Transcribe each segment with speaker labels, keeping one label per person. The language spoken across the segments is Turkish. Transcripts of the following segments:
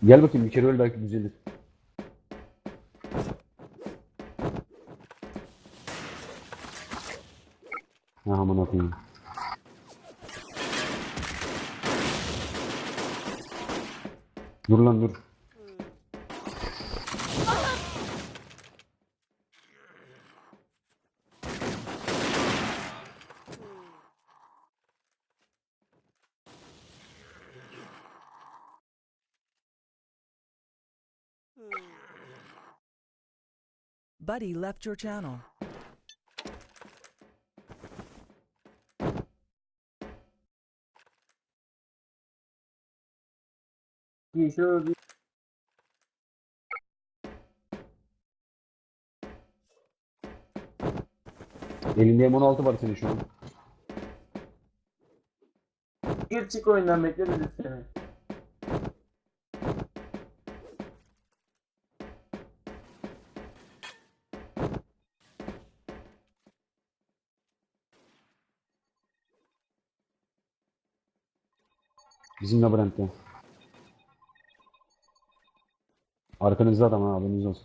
Speaker 1: Gel bakayım bir kere öl belki düzelir. Ha aman atayım. Dur lan dur.
Speaker 2: Buddy left your channel.
Speaker 3: Şöyle bir
Speaker 1: Elinde M16 var senin şu an.
Speaker 3: gir çık oyundan bekleriz seni.
Speaker 1: Bizim labirentte. Arkanızda adam ha haberiniz olsun.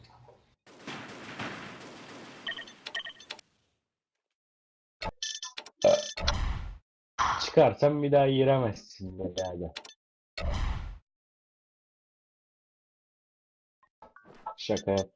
Speaker 4: Çıkarsan bir daha giremezsin herhalde. Şaka yap.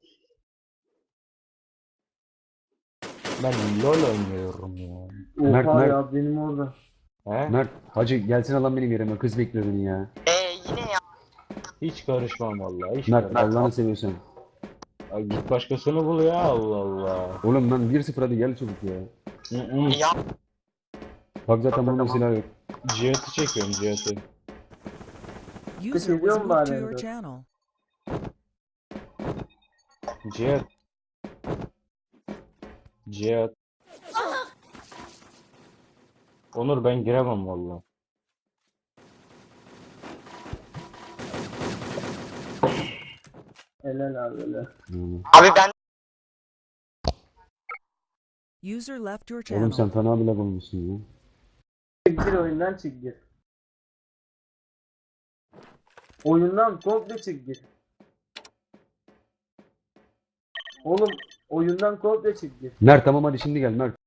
Speaker 4: Ben LoL oynuyorum ya.
Speaker 1: Mert,
Speaker 3: Oha
Speaker 1: Mert.
Speaker 3: ya benim orada.
Speaker 4: He?
Speaker 1: Mert hacı gelsin alan benim yerime kız bekliyor beni ya.
Speaker 5: Yine ya.
Speaker 4: Hiç karışmam vallahi. Hiç
Speaker 1: Mert
Speaker 4: karışmam.
Speaker 1: Allah'ını seviyorsan.
Speaker 4: Ay git başkasını bul ya, Allah Allah.
Speaker 1: Oğlum lan 1-0 hadi gel çabuk ya.
Speaker 5: Ya
Speaker 1: Bak zaten bunun silah yok.
Speaker 4: Cihat'ı çekiyorum, Cihat'ı.
Speaker 2: User was
Speaker 3: ediyor mu
Speaker 2: moved
Speaker 3: bari
Speaker 2: to your
Speaker 3: Endo?
Speaker 2: channel.
Speaker 4: Cihat. Cihat. Onur ben giremem vallahi.
Speaker 3: Helal abi helal.
Speaker 5: abi ben
Speaker 2: User left your
Speaker 1: Oğlum sen
Speaker 2: channel.
Speaker 1: fena bile bulmuşsun ya.
Speaker 3: Gir oyundan çık gir. Oyundan komple çık gir. Oğlum oyundan komple çık gir.
Speaker 1: Mert tamam hadi şimdi gel Mert.